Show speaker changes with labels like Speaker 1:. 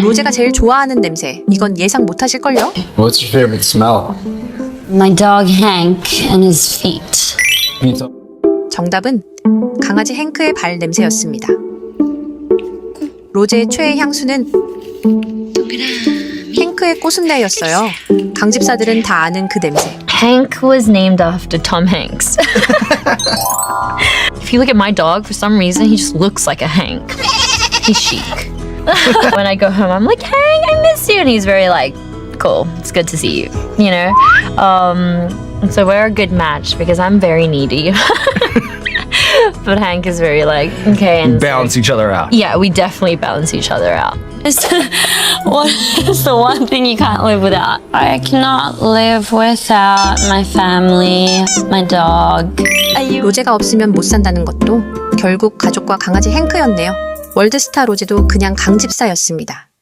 Speaker 1: 로제가 제일 좋아하는 냄새. 이건 예상 못하실걸요?
Speaker 2: What's your favorite smell?
Speaker 3: My dog Hank and his feet.
Speaker 2: Can you tell-
Speaker 1: 정답은 강아지 행크의 발 냄새였습니다. 로제의 최애 향수는 행크의 꽃순내였어요. 강집사들은 다 아는 그 냄새.
Speaker 4: Hank was named after Tom Hanks. If you look at my dog, for some reason, he just looks like a Hank. He's chic. When I go home, I'm like, Hank, I miss you. And he's very like, cool, it's good to see you, you know? So we're a good match because I'm very needy. But Hank is very like, okay. And
Speaker 5: Balance each other out.
Speaker 4: yeah, we definitely balance each other out.
Speaker 3: What is the one thing you can't live without? I cannot live without my family, my dog.
Speaker 1: 로제가 없으면 못 산다는 것도 결국 가족과 강아지 행크였네요. 월드스타 로제도 그냥 강집사였습니다.